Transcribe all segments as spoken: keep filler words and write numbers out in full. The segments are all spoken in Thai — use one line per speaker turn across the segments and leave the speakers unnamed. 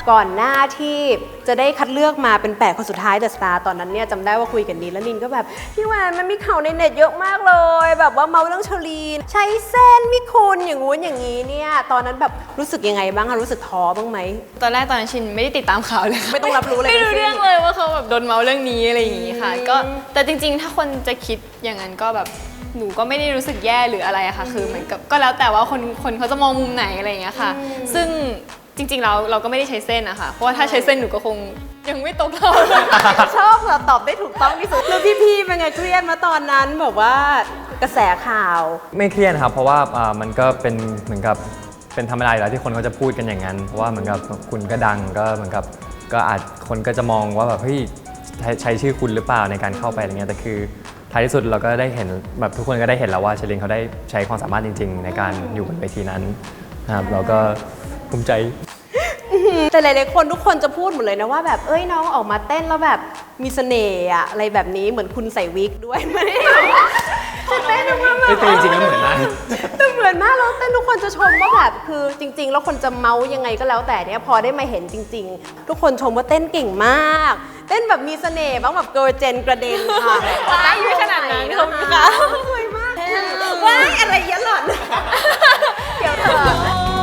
ก่อนหน้าที่จะได้คัดเลือกมาเป็นแปดคนสุดท้ายเดอะสตาร์ตอนนั้นเนี่ยจำได้ว่าคุยกันนินแล้วนินก็แบบพี่แหวนมันมีข่าวในเน็ตเยอะมากเลยแบบว่าเมาเรื่องเชอรีนใช้เส้นมิคุณอย่างงู้นอย่างนี้เนี่ยตอนนั้นแบบรู้สึกยังไงบ้างรู้สึกท้อบ้างไหม
ตอนแรกตอนนั้นชินไม่ได้ติดตามข่าวเลย
ไม่ต้องรับรู้เลย
ไม่รู้เรื่องเลยว่าเขาแบบโดนเมาเรื่องนี้อะไรอย่างงี้ค่ะก็แต่จริงๆถ้าคนจะคิดอย่างนั้นก็แบบหนูก็ไม่ได้รู้สึกแย่หรืออะไรอะค่ะคือเหมือนกับก็แล้วแต่ว่าคนคนเขาจะมองมุมไหนอะไรอย่างเงี้ยค่ะซึ่งจริงๆเราเราก็ไม่ได้ใช้เส้นอะค่ะเพราะว่าถ้าใช้เส้นหนูก็คงยังไม่ตกเรา
ชอบเราตอบได้ถูกต้องที่สุดแล้วพี่ๆเป็นไงเครียดมาตอนนั้นแบบว่ากระแสข่าว
ไม่เครียดครับเพราะว่ามันก็เป็นเหมือนกับเป็นธรรมดาอยู่แล้วที่คนเขาจะพูดกันอย่างนั้นเพราะว่าเหมือนกับคุณก็ดังก็เหมือนกับก็อาจคนก็จะมองว่าแบบเฮ้ยใช้ชื่อคุณหรือเปล่าในการเข้าไปอะไรเงี้ยแต่คือท้ายที่สุดเราก็ได้เห็นแบบทุกคนก็ได้เห็นแล้วว่าเชลินเขาได้ใช้ความสามารถจริงๆในการอยู่บนเวทีนั้นนะครับเราก็ภูมิใจ
แต่หลายๆคนทุกคนจะพูดหมดเลยนะว่าแบบเอ้ยน้องออกมาเต้นแล้วแบบมีเสน่ห์อะอะไรแบบนี้เหมือนคุณใส่วิกด้วยไหมเต้นออกมาแบบ
เต้นจริงๆแล้วเหมือนมาก
แต่เหมือนมากแล้วเต้นทุกคนจะชมว่าแบบคือจริงๆแล้วคนจะเมายังไงก็แล้วแต่เนี่ยพอได้มาเห็นจริงๆทุกคนชมว่าเต้นเก่งมากเต้นแบบมีเสน่ห์บ้างแบบเกิร์ลเจนกระเด็นค่ะ
ว้ายไม่ขนาดนั้นขอบคุณค่ะ
สวยมากว้ายอะไรเยอะหล่อนเดี๋ยวเถอะ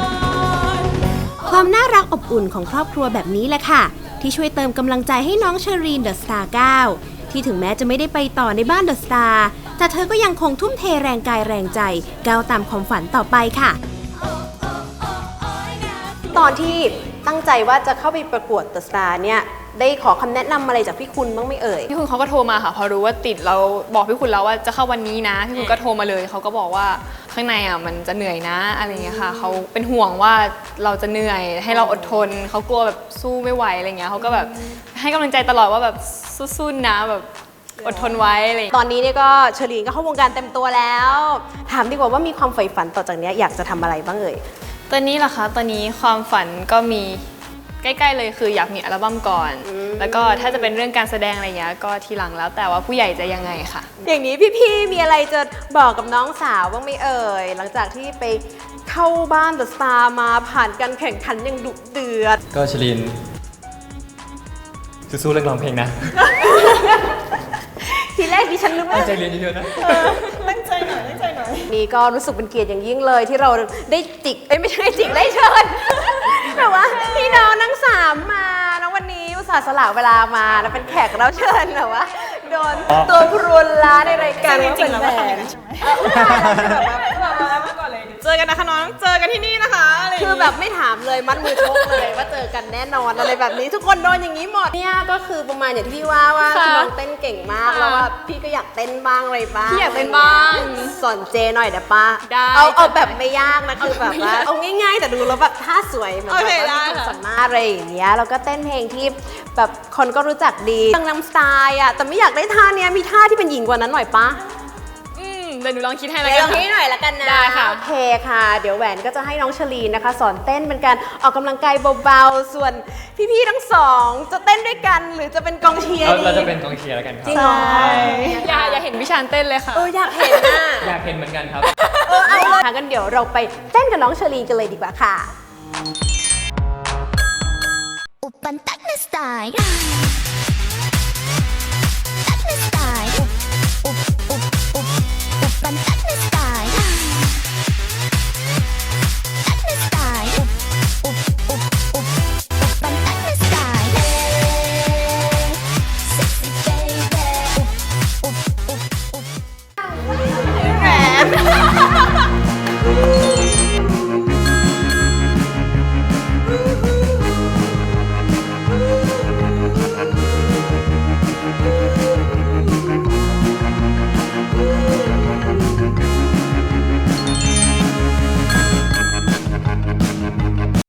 ความน่ารักอบอุ่นของครอบครัวแบบนี้แหละค่ะที่ช่วยเติมกำลังใจให้น้องเชอรีนเดอะสตาร์เก้าที่ถึงแม้จะไม่ได้ไปต่อในบ้านเดอะสตาร์แต่เธอก็ยังคงทุ่มเทแรงกายแรงใจก้าวตามความฝันต่อไปค่ะตอนที่ตั้งใจว่าจะเข้าไปประกวดเดอะสตาร์เนี่ยได้ขอคำแนะนำอะไรจากพี่คุณบ้างไหมเอ่ย
พี่คุณเขาก็โทรมาค่ะพอรู้ว่าติดเราบอกพี่คุณแล้วว่าจะเข้าวันนี้นะพี่คุณก็โทรมาเลยเขาก็บอกว่าข้างในอ่ะมันจะเหนื่อยนะอะไรเงี้ยค่ะเขาเป็นห่วงว่าเราจะเหนื่อยให้เราอดทนเขากลัวแบบสู้ไม่ไหวอะไรเงี้ยเขาก็แบบให้กำลังใจตลอดว่าแบบสู้ๆนะแบบอดทนไว้อะไรต
อนนี้เนี่ยก็เชอรีนก็เข้าวงการเต็มตัวแล้วถามดีกว่าว่ามีความใฝ่ฝันต่อจากนี้อยากจะทำอะไรบ้างเอ่ย
ตอนนี้เหรอคะตอนนี้ความฝันก็มีใกล้ๆเลยคืออยากมีอัลบั้มก่อนแล้วก็ถ้าจะเป็นเรื่องการแสดงอะไรเงี้ยก็ทีหลังแล้วแต่ว่าผู้ใหญ่จะยังไงค่ะ
อย่างนี้พี่ๆมีอะไรจะบอกกับน้องสาวบ้างไหมเอ่ยหลังจากที่ไปเข้าบ้านเดอะสตาร์มาผ่านการแข่งขันอย่างดุเดือด
ก็เชลินสู้ๆเรื่องร้องเพลงนะ
ทีแรกดิฉันรู้ว่า
ตั้งใจเรียนเยอะๆนะ
ตั้งใจหน่อยตั้งใจหน่อยนี่ก็รู้สึกเป็นเกียรติอย่างยิ่งเลยที่เราได้จิกเอ้ยไม่ใช่จิกได้เชิญแต่ว่าพี่น้องทั้งสามมาแล้ววันนี้อุตส่าห์สละเวลามาแล้วเป็นแขกรับเชิญแต่ว่าโดนตัวพรุนล้าในรายการว่าเป็นแฟน
เจอกันนะคะน้องเจอกันที่นี่นะคะ
คือแบบไม่ถามเลยมัดมือชกเลยว่าเจอกันแน่นอนอะไรแบบนี้ทุกคนโดนอย่างนี้หมดเนี่ยก็คือประมาณอย่างที่พี่ว่าว่าน้องเต้นเก่งมากแล้วว่าพี่ก็อยากเต้นบ้างอะไรบ้าง
พี่อยากเต้นบ้าง
สอนเจหน่อยเดี๋ยวป้าเอาเอาแบบไม่ยากนะคือแบบว่าเอาง่ายๆแต่ดูแล้วแบบท่าสวยเหมือนแบบว่ามีความสามารถอะไรอย่างเงี้ยแล้วก็เต้นเพลงที่แบบคนก็รู้จักดีตั้งนำสไตล์อ่ะแต่ไม่อยากได้ท่าเนี้ยมีท่าที่เป็นหญิงกว่านั้นหน่อยป้า
เดี๋ยวหนูลองคิดให้แล้ว
กันลองคิดหน่อยละกันนะ
ได้ค่ะ
โอเคค่ะเดี๋ยวแหวนก็จะให้น้องเชลีนนะคะสอนเต้นเป็นการออกกำลังกายเบาๆส่วนพี่ๆทั้งสองจะเต้นด้วยกันหรือจะเป็นกองเชียร์ดี
เราจะเป็นกองเชียร์แล้วกันครับ
จริงเหรอ
อย่าอย่าเห็นพี่ชานเต้นเลยค่ะ
เอออยากเห็นน่ะ
อยากเห็นเหมือนกันครับ
เออเอาเลยงั้นเดี๋ยวเราไปเต้นกับน้องเชลีนกันเลยดีกว่าค่ะ
อุปันตักนสไตล์ตักนสไตล์อุปอุปอุปอุปันตักนสไต